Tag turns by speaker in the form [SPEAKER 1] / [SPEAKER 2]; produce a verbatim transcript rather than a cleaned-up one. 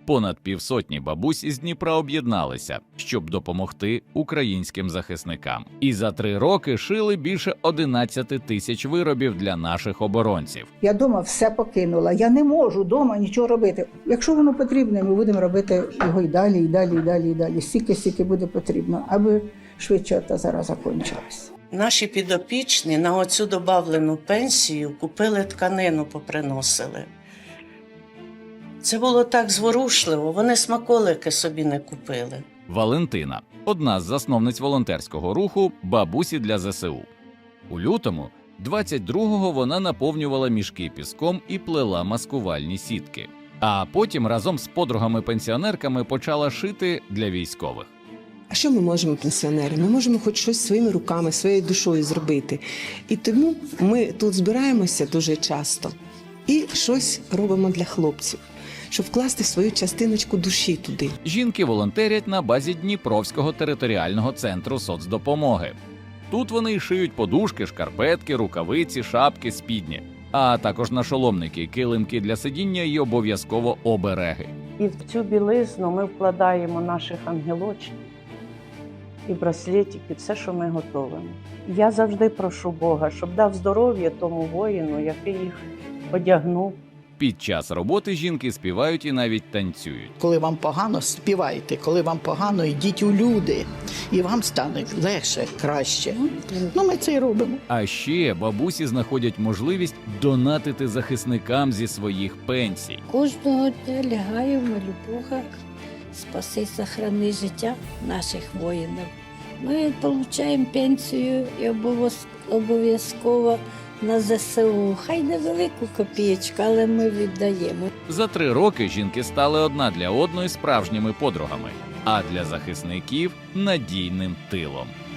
[SPEAKER 1] Понад півсотні бабусь із Дніпра об'єдналися, щоб допомогти українським захисникам. І за три роки шили більше одинадцяти тисяч виробів для наших оборонців.
[SPEAKER 2] Я дома все покинула. Я не можу дома нічого робити. Якщо воно потрібне, ми будемо робити його і далі, і далі, і далі, і далі. Стільки, стільки буде потрібно, аби швидше та зараз закінчилась.
[SPEAKER 3] Наші підопічні на оцю добавлену пенсію купили тканину, поприносили. Це було так зворушливо, вони смаколики собі не купили.
[SPEAKER 1] Валентина – одна з засновниць волонтерського руху «Бабусі для зе се у». У лютому двадцять другого вона наповнювала мішки піском і плела маскувальні сітки. А потім разом з подругами-пенсіонерками почала шити для військових.
[SPEAKER 4] А що ми можемо, пенсіонери? Ми можемо хоч щось своїми руками, своєю душою зробити. І тому ми тут збираємося дуже часто і щось робимо для хлопців, щоб вкласти свою частиночку душі туди.
[SPEAKER 1] Жінки волонтерять на базі Дніпровського територіального центру соцдопомоги. Тут вони й шиють подушки, шкарпетки, рукавиці, шапки, спідні, а також нашоломники, килимки для сидіння і обов'язково обереги.
[SPEAKER 3] І в цю білизну ми вкладаємо наших ангелочків і браслетики, все, що ми готуємо. Я завжди прошу Бога, щоб дав здоров'я тому воїну, який їх одягнув.
[SPEAKER 1] Під час роботи жінки співають і навіть танцюють.
[SPEAKER 5] Коли вам погано, співайте. Коли вам погано, йдіть у люди. І вам стане легше, краще. Ну, ми це й робимо.
[SPEAKER 1] А ще бабусі знаходять можливість донатити захисникам зі своїх пенсій.
[SPEAKER 6] Кожного дня лягаю в молюбухах, спаси, сохрани життя наших воїнів. Ми отримуємо пенсію і обов'язково на зе се у. Хай невелику копієчку, але ми віддаємо.
[SPEAKER 1] За три роки жінки стали одна для одної справжніми подругами, а для захисників – надійним тилом.